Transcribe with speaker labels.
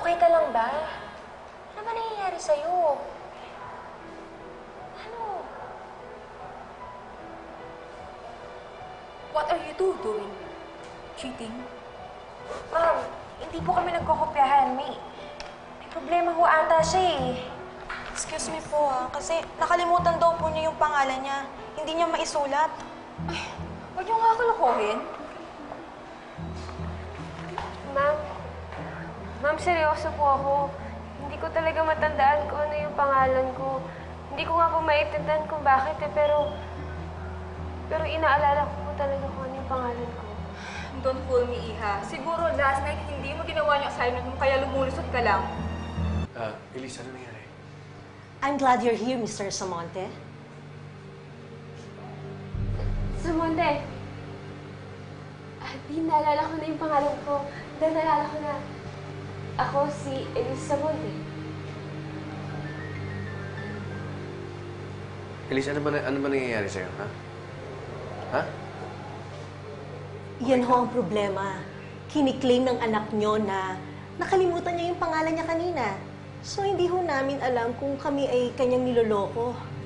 Speaker 1: Okay ka lang ba? Ano ba nangyayari sa'yo? Ano?
Speaker 2: What are you two doing? Cheating?
Speaker 1: Ma'am, hindi po kami nagkokopyahan. May problema ho ata siya eh.
Speaker 3: Excuse me po kasi nakalimutan daw po niya yung pangalan niya. Hindi niya maisulat.
Speaker 2: Ay, huwag niyo nga kalokohin.
Speaker 1: Ma'am, seryoso po ako. Hindi ko talaga matandaan kung ano yung pangalan ko. Hindi ko nga po maintindihan kung bakit eh, pero inaalala ko po talaga kung ano yung pangalan ko.
Speaker 2: Don't fool me, Iha. Siguro last night hindi mo ginawa yung assignment mo kaya lumulusot ka lang.
Speaker 4: Elise, ano nangyari?
Speaker 5: I'm glad you're here, Mr. Samonte.
Speaker 1: Samonte! Di, naalala ko na yung pangalan ko. Dahil naalala ko na ako si Elise Samonte.
Speaker 4: Elise, ano ba nangyayari sa'yo, ha? Ha?
Speaker 5: Yan ho ang problema. Kiniklaim ng anak nyo na nakalimutan niya yung pangalan niya kanina. So, hindi ho namin alam kung kami ay kanyang niloloko.